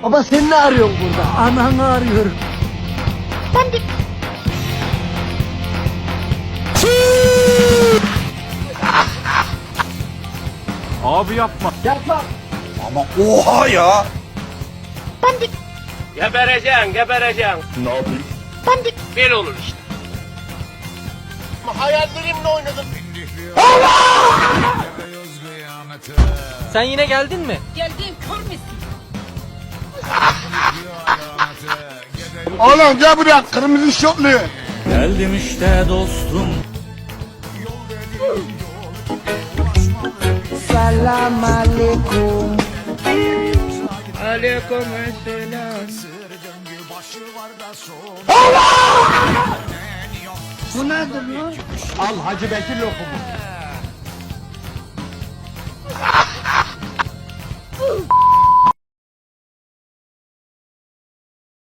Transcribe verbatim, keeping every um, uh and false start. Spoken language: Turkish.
Baba sen ne arıyorsun burada? Ananı arıyorum. Ben de... Abi yapma. Yapma. Ama oha ya. Ben de... Gebereceksin, gebereceksin. Ne yapayım? Ben de... Bir olur işte. Hayallerimle oynadım. Sen yine geldin mi? Geldiğim kör müsün? Oğlum gel buraya kırmızı şortlu. Geldim işte dostum. Selam aleyküm. Aleyküm selam. Bu nedir lan? Al Hacı Bekir lokumu.